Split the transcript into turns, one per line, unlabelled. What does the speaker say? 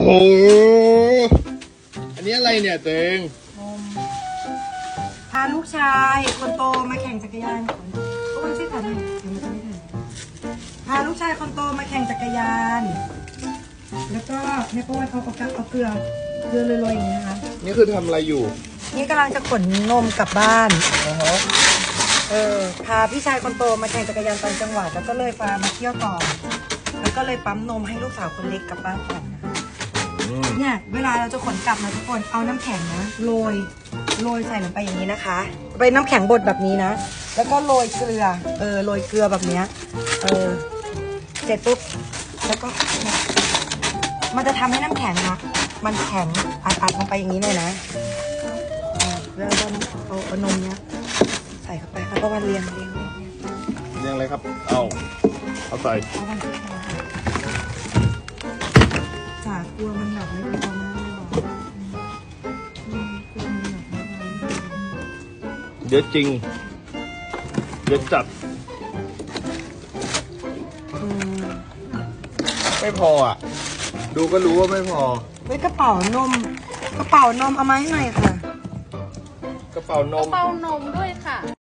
โอ้อันนี้อะไรเนี่ยเตง
พาลูกชายคนโตมาแข่งจักรยานโอ้ยช่วยถ่ายหน่อยเดี๋ยวมันจะไม่ถ่ายพาลูกชายคนโตมาแข่งจักรยาน แล้วก็ในประวัติเอาเกลือโรยๆอย่างนี้นะคะ
นี่คือทำอะไรอยู่
นี่กำลังจะขนนมกลับบ้านพาพี่ชายคนโตมาแข่งจักรยานต่างจังหวัดแล้วก็เลยพามาเที่ยวต่อแล้วก็เลยปั๊มนมให้ลูกสาวคนเล็กกลับบ้านก่อนนะคะเนี่ยเวลาเราจะขนกลับนะทุกคนเอาน้ำแข็งนะโรยใส่ลงไปอย่างนี้นะคะไปน้ำแข็งบดแบบนี้นะแล้วก็โรยเกลือโรยเกลือแบบเนี้ยเสร็จปุ๊บแล้วก็มันจะทำให้น้ำแข็งนะมันแข็งอัดลงไปอย่างนี้เลยนะแล้วก็เอานมเนี้ยใส่เข้าไปแล้วก็วันเรียง
อะไรครับเอาใส่
เอาวันที่จากกลัวมันหนักไม่พอมากเลย
เดี๋ยวจริงเดี๋ยวจัดไม่พออ่ะดูก็รู้ว่าไม่พอ
กระเป๋านมเอามาให้หน่อยค่ะ
กระเป๋านม
เป่านมด้วยค่ะ